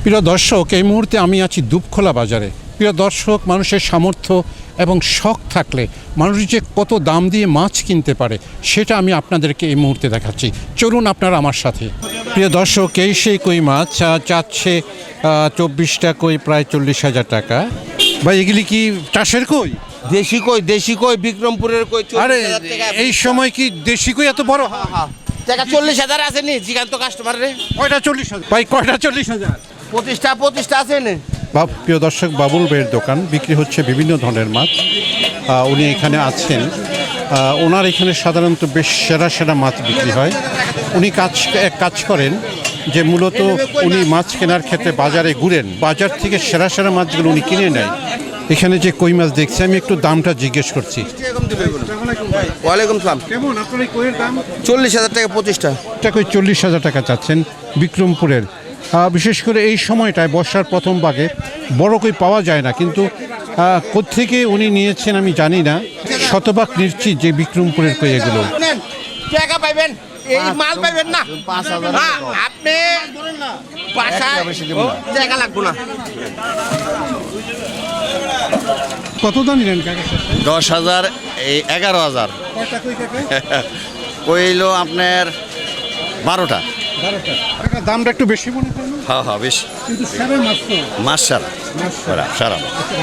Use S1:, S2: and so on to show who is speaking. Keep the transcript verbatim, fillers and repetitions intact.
S1: প্রিয় দর্শক, এই মুহূর্তে আমি আছি দুপখোলা বাজারে। প্রিয় দর্শক, মানুষের সামর্থ্য এবং শখ থাকলে মানুষ যে কত দাম দিয়ে মাছ কিনতে পারে সেটা আমি আপনাদেরকে এই মুহূর্তে দেখাচ্ছি। চলুন আপনারা আমার সাথে। প্রিয় দর্শক, এই সেই কই মাছ চাচ্ছে চব্বিশটা কই প্রায় চল্লিশ হাজার টাকা। ভাই, এগুলি কি চাষের কই?
S2: দেশি কই, দেশি কই, বিক্রমপুরের কই।
S1: আরে এই সময় কি দেশি কই এত বড়?
S2: হ্যাঁ হ্যাঁ, টাকা চল্লিশ হাজার আছে নি জিগান্ত কাস্টমার রে।
S1: কয়টা চল্লিশ হাজার? ভাই কয়টা চল্লিশ হাজার?
S2: পঁচিশটা পঁচিশটা আছে নি।
S1: প্রিয় দর্শক, বাবুল ভাইয়ের দোকান, বিক্রি হচ্ছে বিভিন্ন ধরনের মাছ। উনি এখানে আছেন। ওনার এখানে সাধারণত বেশ সেরা সেরা মাছ বিক্রি হয়। উনি কাজ এক কাজ করেন যে মূলত উনি মাছ কেনার ক্ষেত্রে বাজারে ঘুরেন, বাজার থেকে সেরা সেরা মাছগুলো উনি কিনে নেয়। এখানে যে কই মাছ দেখছি, আমি একটু দামটা জিজ্ঞেস করছি।
S2: ওয়ালাইকুম সালাম।
S1: কেমন আপনার এই কইয়ের দাম?
S2: চল্লিশ হাজার টাকা পঁচিশটা।
S1: এটা কই চল্লিশ হাজার টাকা চাচ্ছেন বিক্রমপুরের। বিশেষ করে এই সময়টায় বর্ষার প্রথম ভাগে বড় কই পাওয়া যায় না, কিন্তু কোত্থেকে উনি নিয়েছেন আমি জানি না। শতভাগ নিশ্চিত যে বিক্রমপুরের কই এগুলো।
S2: টাকা পাইবেন, এই মাল পাইবেন না। আপনি টাকা লাগবো না।
S1: কত দাম নিলেন?
S3: দশ হাজার, এই এগারো হাজার কইলো আপনার বারোটা।
S1: দামটা একটু বেশি মনে করেন?
S3: হ্যাঁ হ্যাঁ, বেশি,
S1: কিন্তু সারা মাছ তো
S3: মাছ সারা সারা।